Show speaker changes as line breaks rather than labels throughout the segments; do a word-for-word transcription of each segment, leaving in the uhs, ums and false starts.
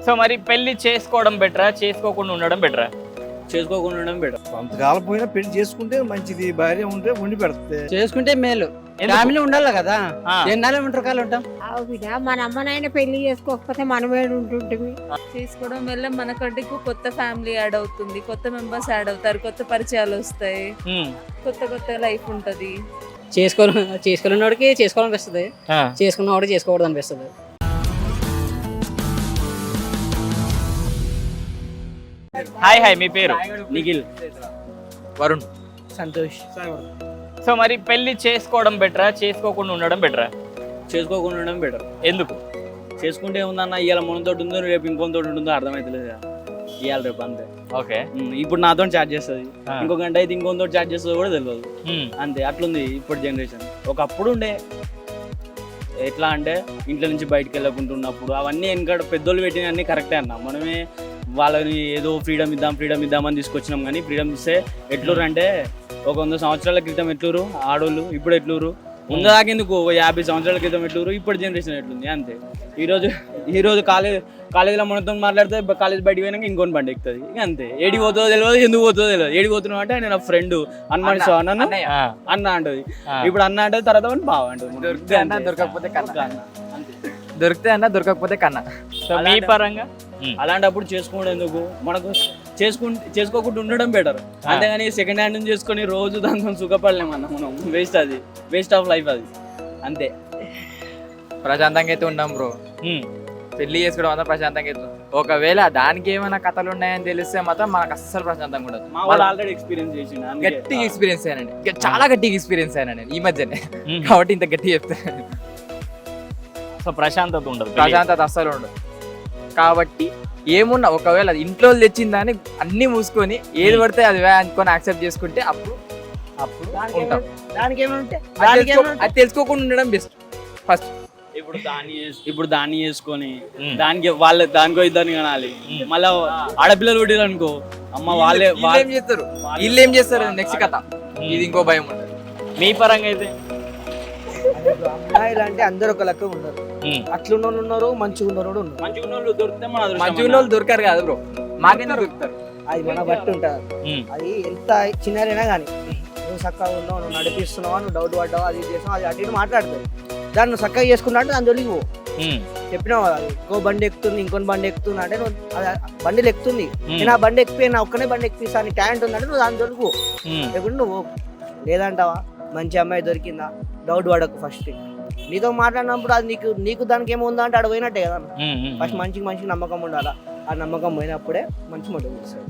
So మరి పెళ్లి చేసుకోవడం బెటరా, చేసుకోకుండా ఉండడం బెటరా?
చేసుకోకుండా ఉండడం బెటర్.
కొంతకాలం పోయినా పెళ్లి చేసుకుంటే మంచిది, భార్య ఉంటే వండి పెడితే
చేసుకుంటే మేలు.
ఎందుకు?
ఫ్యామిలీ ఉండాలి కదా,
ఆ.
ఎన్నాళ్ళు ఒంటరి కాలు ఉంటాం.
ఆవు బిడ్డ మన అమ్మనైనా పెళ్లి చేసుకోకపోతే మనమే ఉంటుంటిమి.
చేసుకోవడం వల్ల మనకంటే కొత్త ఫ్యామిలీ యాడ్ అవుతుంది, కొత్త మెంబర్స్ యాడ్ అవుతారు, కొత్త పరిచయాలు వస్తాయి,
ఉమ్.
కొత్త కొత్త లైఫ్ ఉంటది.
చేసుకోవాలి చేసుకోలేనివాడికి చేసుకోవాలనిపిస్తుంది,
ఆ.
చేసుకున్నవాడికి చేసుకోకూడదు అనిపిస్తుంది.
హాయ్ హాయ్ మీ పేరు?
నిఖిల్.
వరుణ్.
సంతోష్.
సో మరి పెళ్లి చేసుకోవడం బెటరా, చేసుకోకుండా ఉండడం బెటరా?
చేసుకోకుండా ఉండడం బెటర్.
ఎందుకు?
చేసుకుంటే ఏముందన్న, ఇవాళ మనతో ఉందో రేపు ఇంకొంతో ఉంటుందో అర్థమవుతలేదు కదా, ఇవాళ రేపు అంతే.
ఓకే.
ఉమ్, ఇప్పుడు నాతో చాట్ చేస్తుంది,
ఆ.
ఇంకో గంట అయితే ఇంకొంతో చాట్ చేస్తుంది కూడా తెలియదు.
ఉమ్.
అంతే, అట్లుంది ఇప్పుడు జనరేషన్. ఒకప్పుడు ఉండే ఎట్లా అంటే ఇంట్లో నుంచి బయటకు వెళ్ళకుంటున్నప్పుడు అవన్నీ వెనకాడ పెద్దోళ్ళు పెట్టిన అన్నీ కరెక్టే అన్న. మనమే వాళ్ళని ఏదో ఫ్రీడమ్ ఇద్దాం ఫ్రీడమ్ ఇద్దామని తీసుకొచ్చినాం, కానీ ఫ్రీడమ్ ఇస్తే ఎట్లూరు అంటే ఒక వంద సంవత్సరాల క్రితం ఎట్లూరు ఆడోళ్ళు, ఇప్పుడు ఎట్లూరు ముందు దాకేందుకు ఒక యాభై సంవత్సరాల క్రితం ఎట్లూరు, ఇప్పుడు జనరేషన్ ఎట్లుంది అంతే. ఈరోజు ఈరోజు కాలేజ్ కాలేజీలో మనతో మాట్లాడితే కాలేజ్ బయటికి పోయినాక ఇంకొని బండి ఎక్కుతుంది, ఇక అంతే. ఏడికి పోతుందో తెలియదు, ఎందుకు పోతుందో తెలియదు. ఏడికి పోతున్నావు అంటే నేను ఫ్రెండ్ అన్న సో అన్న
ఆ.
అన్న అంటది,
ఆ.
ఇప్పుడు అన్న అంటే తర్వాత వాడిని బావ అంటది.
దొరికితే అన్న, దొరకకపోతే కన్న.
అంతే.
దొరికితే అన్న, దొరకకపోతే కన్నా.
సో మీ పరంగా ఉమ్.
అలాంటప్పుడు చేసుకోవడం ఎందుకు, మనకు చేసుకుంటే చేసుకోకుండా ఉండడం బెటర్. అంతేగాని సెకండ్ హ్యాండ్ నుంచి చేసుకొని రోజు దాంతో సుఖపడలేమన్నా మనం. వేస్ట్, అది వేస్ట్ ఆఫ్ లైఫ్ అది, అంతే.
ప్రశాంతంగా అయితే ఉన్నాం బ్రో.
ఉమ్.
పెళ్లి చేసుకోవడం అంతా ప్రశాంతంగా అయితే ఉన్నాం. ఒకవేళ దానికి ఏమైనా కథలు ఉన్నాయని తెలిస్తే మాత్రం మనకు అస్సలు ప్రశాంతంగా ఉండదు.
మా వాళ్ళు ఆల్రెడీ ఎక్స్పీరియన్స్ చేసిండు, అందుకే.
గట్టిగా ఎక్స్పీరియన్స్ అయ్యానండి, ఇక చాలా గట్టిగా ఎక్స్పీరియన్స్ అయ్యాను ఈ మధ్యనే,
ఉమ్.
కాబట్టి ఇంత గట్టిగా చెప్తాను.
సో ప్రశాంతత ఉండదు.
ప్రశాంతత అస్సలు ఉండదు. కాబట్టి ఏమున్నా ఒకవేళ ఇంట్లో తెచ్చిన దాన్ని అన్ని మూసుకొని ఏది పడితే అది వే అనుకొని యాక్సెప్ట్ చేసుకుంటే అప్పుడు అప్పుడు ఉంటాం.
దానికి ఏమంటే
అది తెలుసుకో- అది తెలుసుకోకుండా ఉండడం బెస్ట్ ఫస్ట్.
ఇప్పుడు దాన్ని చేస్- ఇప్పుడు దాన్ని చేసుకొని
ఉమ్.
దానికి వాళ్ళ దానికో ఇద్దరిని కనాలి.
ఉమ్.
మళ్ళా ఆడపిల్లలు పుట్టిరు అనుకో, అమ్మ వాళ్ళే
వీళ్ళు ఏం చేస్తారు వీళ్ళు ఏం చేస్తారు నెక్స్ట్ కథ, ఇది ఇంకో భయం ఉంటుంది.
మీ పరంగా అయితే
అమ్మాయిలు అంటే అందరు ఒక లెక్క ఉన్నారు,
ఉమ్.
అట్లున్న వాళ్ళు ఉన్నారు, మంచిగా ఉన్న వాళ్ళు ఉన్నారు.
మంచిగా ఉన్న వాళ్ళు దొరికితే మన అదృష్టం
మంచి
అన్న.
వాళ్ళు దొరకారు కాదు బ్రో, మాకైనా దొరుకుతారు.
అది మన బట్టి ఉంటుంది.
ఉమ్.
అది ఎంత చిన్నదైనా కానీ నువ్వు చక్కగా ఉన్నావు, నువ్వు నడిపిస్తున్నావా, నువ్వు డౌట్ పడ్డావు, అది చేసినావు, అది అటు ఇటు మాట్లాడుతుంది. దాన్ని నువ్వు చక్కగా చేసుకున్నా అంటే దాని జోలికి పో.
ఉమ్.
చెప్పినావు కదా, ఇంకో బండి ఎక్కుతుంది, ఇంకొని బండి ఎక్కుతుంది అంటే నువ్వు అది బండిలు ఎక్కుతుంది,
ఉమ్.
నేను ఆ బండి ఎక్కిపోయి నా ఒక్కనే బండి ఎక్కిస్తా అని టాలెంట్ ఉందంటే నువ్వు దాని జోలికి పో.
ఉమ్.
లేకుంటే నువ్వు పో. లేదంటావా మంచి అమ్మాయి దొరికిందా, డౌట్ పడకు. ఫస్ట్ నీతో మాట్లాడినప్పుడు అది నీకు నీకు దానికి ఏముందా అంటే ఆడ పోయినట్టే కదా.
ఉమ్. ఉమ్.
ఫస్ట్ మంచికి మంచికి నమ్మకం ఉండాలా, ఆ నమ్మకం పోయినప్పుడే మంచి మొదలు చేస్తాడు.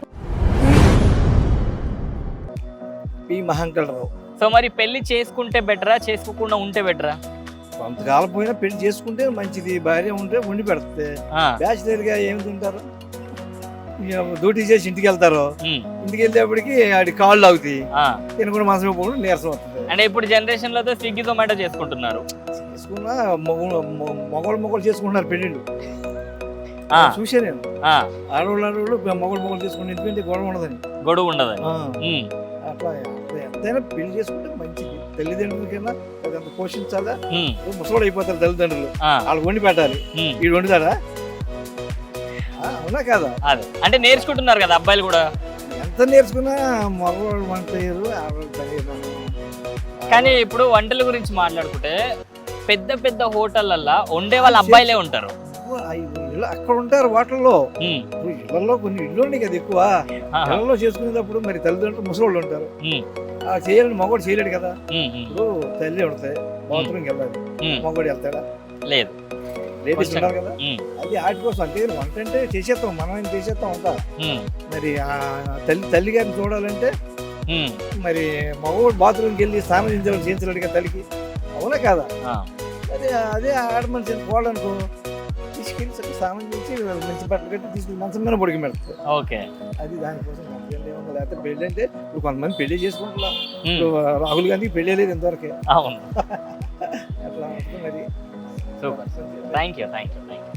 పి మహంకళరావు.
సో మరి పెళ్లి చేసుకుంటే బెటరా, చేసుకోకుండా ఉంటే బెటరా?
కొంతకాలం పోయినా పెళ్లి చేసుకుంటే మంచిది, భార్య ఉంటే వండి పెడితే.
ఆ.
బ్యాచిలర్ గా ఏమి తింటారు, ఇక డ్యూటీ చేసి ఇంటికి వెళ్తారు,
ఉమ్.
ఇంటికి వెళ్ళేప్పటికి ఆడి కాళ్ళు అవుతాయి,
ఆ.
తినకుండా మనసు పోకుండా నీరసం వస్తుంది.
అంటే ఇప్పుడు జనరేషన్ లో స్విగ్గీ జొమాటో చేసుకుంటున్నారు.
చేసుకున్న మొగలు మొగలు మొగలు చేసుకుంటున్నారు పెళ్ళిళ్ళు.
ఆ.
చూసా నేను,
ఆ.
ఆడవాళ్ళు ఆడవాళ్ళు మొగలు మొగలు చేసుకుని ఎందుకంటే గొడవ ఉండదని.
గొడవ ఉండదు.
ఆ,
ఉమ్.
అట్లా అట్లా ఎంతైనా పెళ్లి చేసుకుంటే మంచిది. తల్లిదండ్రులకైనా అదంత పోషించాలా,
ఉమ్.
ముసలోడు అయిపోతారు తల్లిదండ్రులు,
ఆ.
వాళ్ళు వండి పెట్టాలి.
ఉమ్.
వీడు వండుతాడా? ఆ, అవునా కాదా?
అదే అంటే నేర్చుకుంటున్నారు కదా అబ్బాయిలు కూడా.
ఎంత నేర్చుకున్నా మగవాళ్ళు వంట చేయరు, ఆడవాళ్ళు తెలియదు.
కానీ ఇప్పుడు వంటల గురించి మాట్లాడుకుంటే పెద్ద పెద్ద హోటళ్ళల్లో వండే వాళ్ళ అబ్బాయిలే ఉంటారు.
అక్కడ ఉంటారు వాటిల్లో.
ఉమ్.
ఇప్పుడు ఇళ్లలో కొన్ని ఇళ్ళు ఉన్నాయి కదా ఎక్కువ,
ఆహా.
ఇళ్లలో చేసుకునేటప్పుడు మరి తల్లిదండ్రులు ముసలోళ్ళు ఉంటారు,
ఉమ్.
ఆ చేయాలని మగవాడు చేయలేడు కదా.
ఉమ్. ఉమ్.
ఇప్పుడు తల్లి ఉంటాయి, బాత్రూమ్కి వెళ్ళాలి,
ఉమ్.
మగవాడు వెళ్తాడా?
లేదు.
లేడీస్
కొంచెం.
ఉంటారు కదా.
ఉమ్.
అది వాటి కోసం అంటే వంట అంటే చేసేస్తాం, మనం ఏం చేసేస్తాం అంతా.
ఉమ్.
మరి ఆ తల్లి తల్లి గారిని చూడాలంటే
ఉమ్.
మరి మగవాడు బాత్రూమ్కి వెళ్ళి స్నానం చేయించడం చేయించలేడు కదా తల్లికి, అవునా కాదా?
ఆ.
అదే అదే ఆడ మనిషి పోవాలనుకో, తీసుకెళ్ళి సరే స్నానం చేసి మంచి బట్టలు కట్టి తీసుకెళ్ళి మంచం మీద పొడికి పెడతారు.
ఓకే.
అది దానికోసం మనకేంటి ఏమన్నా, లేకపోతే పెళ్ళి అంటే ఇప్పుడు కొంతమంది పెళ్లి చేసుకుంటున్నా.
ఉమ్.
ఇప్పుడు రాహుల్ గాంధీకి పెళ్ళి లేదు ఇంతవరకే.
అవును.
అట్లా ఉంటుంది మరి.
Super. Thank you thank you thank you.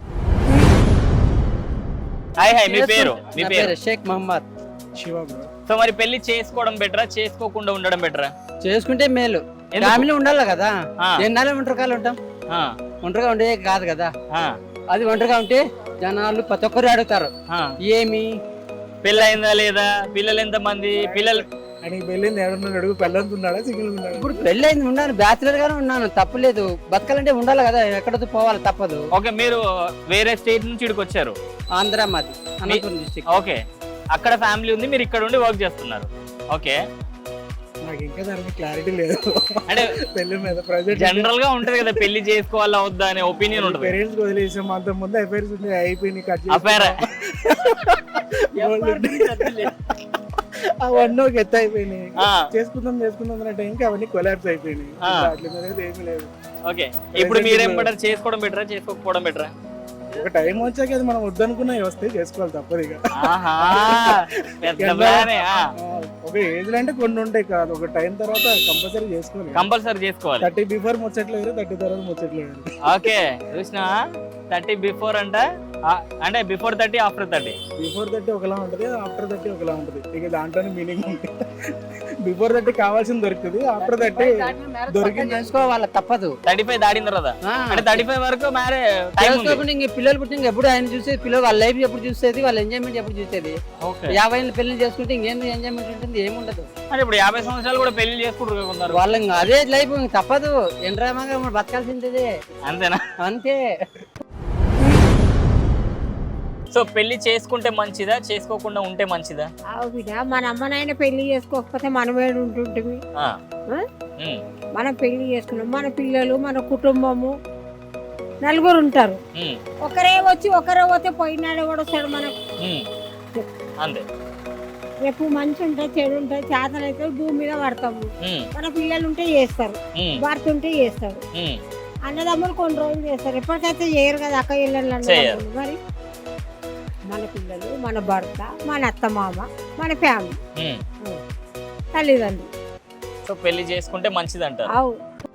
Hi hi మీ పేరు? మీ
నా
పేరు?
పేరు షేక్ మహమ్మద్.
శివ
సో మరి పెళ్లి చేసుకోవడం బెటరా, చేసుకోకుండా ఉండడం బెటరా?
చేసుకుంటే మేలు.
ఎందుకు?
ఫ్యామిలీ ఉండాలి కదా,
ఆ.
ఎన్నాళ్ళు ఒంటరి కాలు ఉంటాం.
ఆ.
ఒంటరిగా ఉండే కాదు కదా.
ఆ.
అది ఒంటరిగా ఉంటే జనాలు ప్రతి ఒక్కరు అడుగుతారు
ఆ,
ఏమి
పెళ్ళి అయిందా లేదా, పిల్లలు ఎంత మంది, పిల్లలు
ఆయనకి పెళ్ళింది ఎవడన్నా అడుగు పెళ్ళంత ఉన్నాడా సింగిల్ ఉన్నాడా?
ఇప్పుడు పెళ్ళి అయింది ఉన్నాను బ్యాచులర్ గానే ఉన్నాను తప్పలేదు బతకాలంటే ఉండాలి కదా ఎక్కడితో పోవాలి తప్పదు.
ఓకే, మీరు వేరే స్టేట్ నుంచి ఇక్కడికి వచ్చారు.
ఆంధ్ర మాది అనంతపురం డిస్ట్రిక్ట్.
ఓకే, అక్కడ ఫ్యామిలీ ఉంది, మీరు ఇక్కడ ఉండి వర్క్ చేస్తున్నారు. ఓకే,
నాకు ఇంకా దాని మీద క్లారిటీ లేదు
అంటే
పెళ్లి మీద ప్రజెంట్
జనరల్ గా ఉంటది కదా పెళ్లి చేసుకోవాలా వద్దా అనే ఒపీనియన్ ఉంటుంది.
పేరెంట్స్ వదిలేసాం అంత ముందు అఫైర్స్ ఉంది అయిపోయింది కట్
అఫైర్
అవన్నీ ఒక ఎత్తు అయిపోయినాయి. చేసుకుందాం చేసుకుందాం అనే టైంకి అవన్నీ కొలాప్స్ అయిపోయినాయి. అట్ల మీద ఏమీ లేదు.
ఓకే, ఇప్పుడు మీరేం బెటర్, చేసుకోవడం బెటరా చేసుకోకపోవడం బెటరా?
ఒక టైం వచ్చాక అది మనం వద్దనుకున్నవి వస్తే చేసుకోవాలి తప్పదు ఇక.
ఆహా, పెద్ద ప్లానే. ఆ,
ఒక ఏజ్ అంటే కొన్ని ఉంటాయి కాదు, ఒక టైం తర్వాత కంపల్సరీ చేసుకోవాలి.
కంపల్సరీ చేసుకోవాలి.
థర్టీ బిఫోర్ ముచ్చట్లేదు, థర్టీ తర్వాత ముచ్చట్లేదు.
ఓకే, చూసినా థర్టీ బిఫోర్ అంట, ఆ, అంటే before thirty after thirty.
Before thirty ఒకలా ఉంటుంది, ఆఫ్టర్ థర్టీ ఒకలా ఉంటుంది. ఇక దాంట్లోనే మీనింగ్ ఉంటుంది. బిఫోర్ థర్టీ కావాల్సింది దొరుకుతుంది, ఆఫ్టర్ థర్టీ దొరికింది
చేసుకోవాలి తప్పదు.
థర్టీ ఫైవ్ దాటిన తర్వాత
ఆ,
అంటే థర్టీ ఫైవ్ వరకు మ్యారేజ్ టైం ఉంది.
చేసుకోకుండా ఇంక పిల్లలు పుట్టిన ఎప్పుడు ఆయన చూసేది, పిల్లలు వాళ్ళ లైఫ్ ఎప్పుడు చూసేది, వాళ్ళ ఎంజాయ్మెంట్ ఎప్పుడు చూసేది.
ఓకే,
యాభై ఏళ్ళు పెళ్లి చేసుకుంటే ఇంకేం ఎంజాయ్మెంట్ ఉంటుంది, ఏముండదు.
అంటే ఇప్పుడు యాభై సంవత్సరాలు కూడా పెళ్లి చేసుకుంటారు కొందరు.
వాళ్ళ ఇంకా అదే లైఫ్ ఇంక తప్పదు. ఎండ్రామాగా మనం బతకాల్సిందే
అంతేనా?
అంతే.
సో పెళ్లి చేసుకుంటే మంచిదా, చేసుకోకుండా ఉంటే మంచిదా?
ఆవు బిడ్డ, మన అమ్మనైనా పెళ్లి చేసుకోకపోతే మనమే ఉంటుంటివి.
ఆ,
ఆ?
ఉమ్,
మనం పెళ్లి చేసుకున్నాం, మన పిల్లలు, మన కుటుంబము నలుగురు ఉంటారు.
ఉమ్,
ఒకరే వచ్చి ఒకరే పోతే పోయినాడే కూడా వస్తాడు మనకు.
ఉమ్, అంతే.
రేపు మంచి ఉంటే చెడు ఉంటే చేతనైతే భూమి మీద పడతాము.
ఉమ్,
మన పిల్లలు ఉంటే చేస్తారు,
ఉమ్,
భర్త ఉంటే చేస్తారు,
ఉమ్,
అన్నదమ్ములు కొన్ని రోజులు చేస్తారు. ఎప్పటికైతే చేయరు కదా అక్క ఇళ్ళల్లో
చేయరు.
అన్నదమ్ములు. మరి మన పిల్లలు, మన భర్త, మన అత్తమామ, మన ఫ్యామిలీ,
ఉమ్.
తల్లిదండ్రులు.
సో పెళ్లి చేసుకుంటే మంచిది అంటారు.
అవు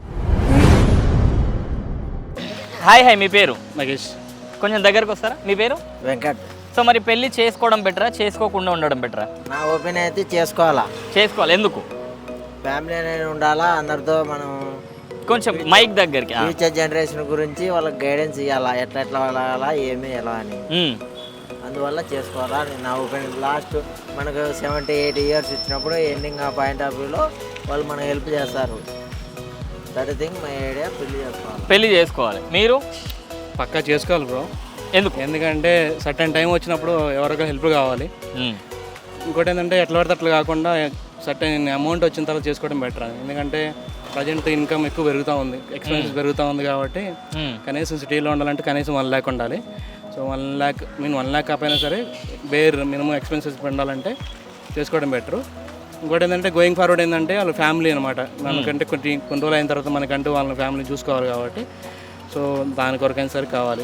హాయ్ హాయ్, మీ పేరు?
మహేష్.
కొంచెం దగ్గరకు వస్తారా? మీ పేరు?
వెంకట్.
సో మరి పెళ్లి చేసుకోవడం బెటరా, చేసుకోకుండా ఉండడం బెటరా?
నా ఒపీనియన్ అయితే చేసుకోవాలా.
చేసుకోవాలి. ఎందుకు?
ఫ్యామిలీ అనేది ఉండాలా, అందరితో మనం
కొంచెం మైక్ దగ్గరికి. ఆ.
ఫ్యూచర్ జనరేషన్ గురించి వాళ్ళకి గైడెన్స్ ఇవ్వాలా, ఎట్లా ఎట్లా వెళ్ళాలా, ఏమి ఎలా అని.
ఉమ్,
అందువల్ల చేసుకోవాలా అని నా ఒపీనియన్. లాస్ట్ మనకు సెవెంటీ ఎయిటీ ఇయర్స్ ఇచ్చినప్పుడు ఎండింగ్ ఆ పాయింట్ ఆఫ్ వ్యూలో వాళ్ళు మనకు హెల్ప్ చేస్తారు. That thing my idea. పెళ్లి చేసుకోవాలి.
పెళ్లి చేసుకోవాలి. మీరు?
పక్కా చేసుకోవాలి బ్రో.
ఎందుకు?
ఎందుకంటే సర్టన్ టైం వచ్చినప్పుడు ఎవరికో హెల్ప్ కావాలి.
ఉమ్,
ఇంకోటి ఏంటంటే ఎట్లా పడితే అట్లా కాకుండా సర్టన్ అమౌంట్ వచ్చిన తర్వాత చేసుకోవడం బెటర్. ఎందుకంటే ప్రజెంట్ ఇన్కమ్ ఎక్కువ పెరుగుతూ ఉంది, ఎక్స్పెన్సెస్ పెరుగుతూ ఉంది కాబట్టి
ఉమ్,
కనీసం సిటీలో ఉండాలంటే కనీసం వన్ ల్యాక్ ఉండాలి. So one lakh mean one lakh కాకపోయినా సరే బేర్ మినిమం ఎక్స్పెన్సెస్ ఉండాలంటే చేసుకోవడం బెటరు. ఇంకోటి ఏంటంటే గోయింగ్ ఫార్వర్డ్ ఏంటంటే వాళ్ళ ఫ్యామిలీ అనమాట. మనకంటే కొన్ని కొన్ని రోజులు అయిన తర్వాత మనకంటూ వాళ్ళ ఫ్యామిలీ చూసుకోవాలి కాబట్టి సో దాని కొరకైనా సరే కావాలి.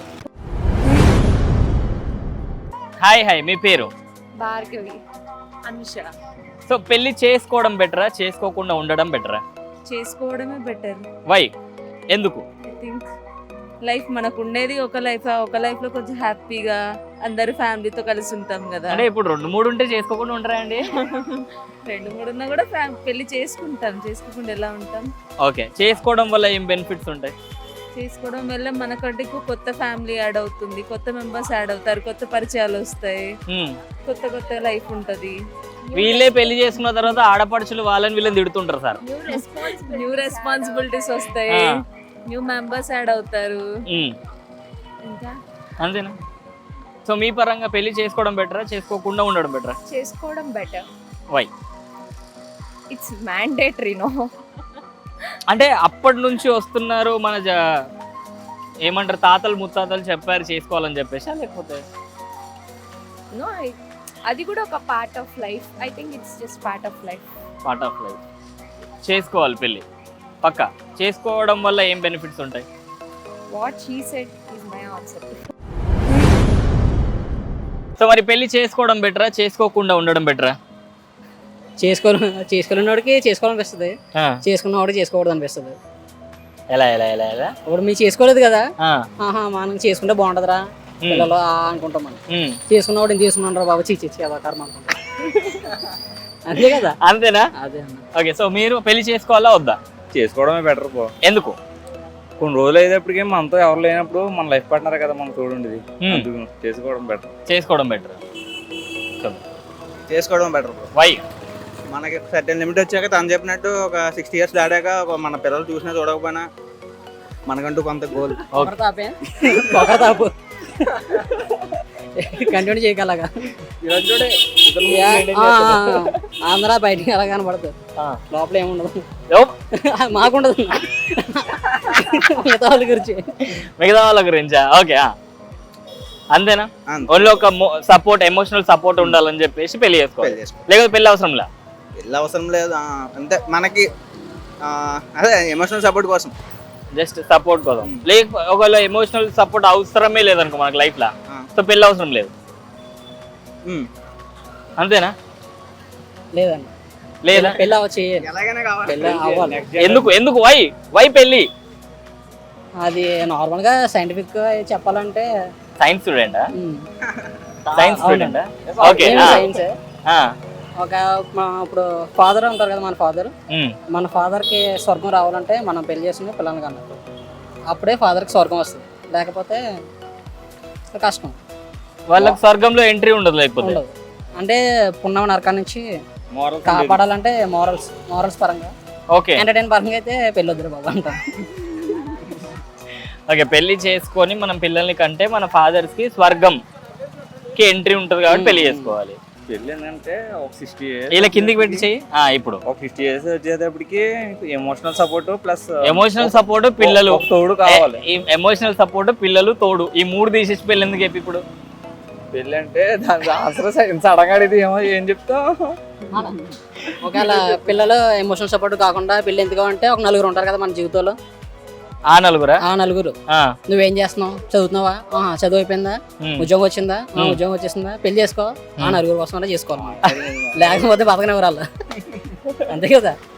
హాయ్ హాయ్, మీ పేరు?
భార్గవి. అనుష.
సో పెళ్లి చేసుకోవడం బెటరా, చేసుకోకుండా ఉండడం బెటరా?
చేసుకోవడమే బెటర్.
వై? ఎందుకు?
ఐ థింక్ లైఫ్ మనకు ఉండేది ఒక లైఫ్, ఒక లైఫ్ లో కొంచెం హ్యాపీగా అందరు ఫ్యామిలీతో కలిసి ఉంటాం కదా.
అంటే ఇప్పుడు రెండు మూడు ఉంటే చేసుకోకుండా ఉంటారా అండి?
రెండు మూడు ఉన్నా కూడా ఫ్యామ్ పెళ్లి చేసుకుంటాం, చేసుకోకుండా ఎలా ఉంటాం?
ఓకే, చేసుకోవడం వల్ల ఏం బెనిఫిట్స్ ఉంటాయి?
చేసుకోవడం వల్ల మనకంటే కొత్త ఫ్యామిలీ యాడ్ అవుతుంది, కొత్త మెంబర్స్ యాడ్ అవుతారు, కొత్త పరిచయాలు వస్తాయి,
ఉమ్,
కొత్త కొత్త లైఫ్ ఉంటది.
వీళ్ళే పెళ్లి చేసుకున్న తర్వాత ఆడపడుచులు వాళ్ళని వీళ్ళని తిడుతుంటారు సార్.
న్యూ రెస్పాన్సిబిలిటీస్ వస్తాయి,
ఆ.
న్యూ మెంబర్స్ యాడ్ అవుతారు.
ఉమ్,
ఇంకా
అంతేనా? సో మీ పరంగా పెళ్లి చేసుకోవడం బెటరా, చేసుకోకుండా ఉండడం బెటరా?
చేసుకోవడం better.
Why?
It's mandatory. No,
అంటే అప్పటి నుంచి వస్తున్నారు మన జ ఏమంటారు తాతలు ముత్తాతలు చెప్పారు చేసుకోవాలని చెప్పేసి, లేకపోతే
నో, అది కూడా ఒక part of life. I think it's just part of life.
Part of life. చేసుకోవాలి పెళ్ళి పక్కా. చేసుకోవడం వల్ల ఏం బెనిఫిట్స్ ఉంటాయి?
What she said is my answer.
So మరి పెళ్లి చేసుకోవడం బెటరా, చేసుకోకుండా ఉండడం బెటరా?
చేసుకో చేసుకోలేనివాడికి చేసుకోవాలనిపిస్తుంది, చేసుకున్నవాడికి చేసుకోకూడదు అనిపిస్తుంది.
ఎలా ఎలా ఎలా ఎలా
ఇప్పుడు మీరు చేసుకోలేదు కదా,
ఆ,
ఆహా మనం చేసుకుంటే బాగుంటుందిరా పిల్లలు ఆ అనుకుంటాం. మనం
ఉమ్,
చేసుకున్నవాడు ఇంత చేసుకున్నాను రా బాబు, చీచి కదా కర్మ అనుకుంటాం. అంతే కదా.
అంతేనా?
అదే అన్న.
ఓకే, సో మీరు పెళ్లి చేసుకోవాలా వద్దా?
చేసుకోవడమే బెటర్ పో.
ఎందుకు?
కొన్ని రోజులు అయ్యేటప్పటికి మనతో ఎవరు లేనప్పుడు మన లైఫ్ పార్ట్నర్ కదా మనం చూడండి,
Hmm.
అందుకు చేసుకోవడం బెటర్.
చేసుకోవడం బెటర్.
చేసుకోవడం బెటర్.
వై?
మనకి సర్టెన్ లిమిట్ వచ్చాక తను చెప్పినట్టు ఒక సిక్స్టీ ఇయర్స్ దాటాక ఒక మన పిల్లలు చూసినా చూడకపోయినా మనకంటూ కొంత గోల్.
తాపే పొగరతాపు కంటిన్యూ చేయగలగా ఆంధ్ర బయటికి ఎలా కనపడుతుంది, లోపల ఏముండదు, మాకుండదు. మిగతా వాళ్ళ గురించి
మిగతా వాళ్ళ గురించా? ఓకే, అంతేనా?
అంతే.
ఓన్లీ ఒక సపోర్ట్, ఎమోషనల్ సపోర్ట్ ఉండాలని చెప్పేసి పెళ్లి చేసుకోవాలి,
పెళ్లి చేసుకో.
లేకపోతే పెళ్లి అవసరం లే?
పెళ్ళి అవసరం లేదు. ఆ, అంతే మనకి ఆ, అదే ఎమోషనల్ సపోర్ట్ కోసం.
జస్ట్ సపోర్ట్ కోసం. లేకపోతే ఒకవేళ ఎమోషనల్ సపోర్ట్ అవసరమే లేదనుకో మనకి లైఫ్ లా,
ఆ.
సో పెళ్లి అవసరం లేదు,
ఉమ్.
అంతేనా?
లేదండి,
లేదా?
పెళ్ళి అవ్వ చేయాలి,
ఎలాగైనా కావాలి.
పెళ్ళి అవ్వాలి.
ఎందుకు ఎందుకు వై వై పెళ్లి?
అది నార్మల్గా సైంటిఫిక్ చెప్పాలంటే
సైన్స్ స్టూడెంటా?
ఉమ్,
సైన్స్ స్టూడెంటా? ఓకే.
నేను సైన్సే.
ఆ.
ఒక మా ఇప్పుడు ఫాదర్ ఉంటారు కదా, మన ఫాదర్
ఉమ్.
మన ఫాదర్కి స్వర్గం రావాలంటే మనం పెళ్లి చేసుకుని పిల్లల్ని కన్నా అప్పుడే ఫాదర్కి స్వర్గం వస్తుంది, లేకపోతే కష్టం.
వాళ్ళకి స్వర్గంలో ఎంట్రీ ఉండదు లేకపోతే?
ఉండదు. అంటే పుణ్యం నరకం నుంచి
Morals
కాపాడాలంటే మారల్స్ మారల్స్ పరంగా,
ఓకే
ఎంటర్టైన్ పరంగా అయితే పెళ్ళి వద్దురు బాబు అంటాం.
ఓకే, పెళ్లి చేసుకొని మనం పిల్లల్ని కంటే మన ఫాదర్స్ కి స్వర్గం కి ఎంట్రీ ఉంటుంది కాబట్టి పెళ్లి చేసుకోవాలి.
పెళ్ళి ఏంటంటే ఒక సిక్స్టీ ఇయర్స్
ఇలా కిందికి పెట్టి చెయ్యి. ఆ, ఇప్పుడు
ఒక ఫిఫ్టీ ఇయర్స్ వచ్చేటప్పటికి emotional support plus
emotional support, పిల్లలు,
తోడు కావాలి.
ఎమోషనల్ సపోర్ట్, పిల్లలు, తోడు, ఈ మూడు తీసేసి పెళ్ళి ఎందుకు చెప్పి ఇప్పుడు?
పెళ్ళి అంటే దాని ఆన్సర్ సడన్ అడిగితే ఏమో ఏం చెప్తావు.
ఒకవేళ పిల్లలు ఎమోషనల్ సపోర్ట్ కాకుండా పెళ్ళి ఎందుకు అంటే ఒక నలుగురు ఉంటారు కదా మన జీవితంలో,
ఆ నలుగురా?
ఆ నలుగురు
ఆ,
నువ్వేం చేస్తున్నావు, చదువుతున్నావా, ఆహా, చదువు అయిపోయిందా,
ఉమ్.
ఉద్యోగం వచ్చిందా, ఆ,
ఉమ్.
ఉద్యోగం వచ్చేసిందా, పెళ్లి చేసుకో, ఆ నలుగురు కోసం చేసుకోవాలి, లేకపోతే బతకనివ్వరు వాళ్ళు. అంతే కదా.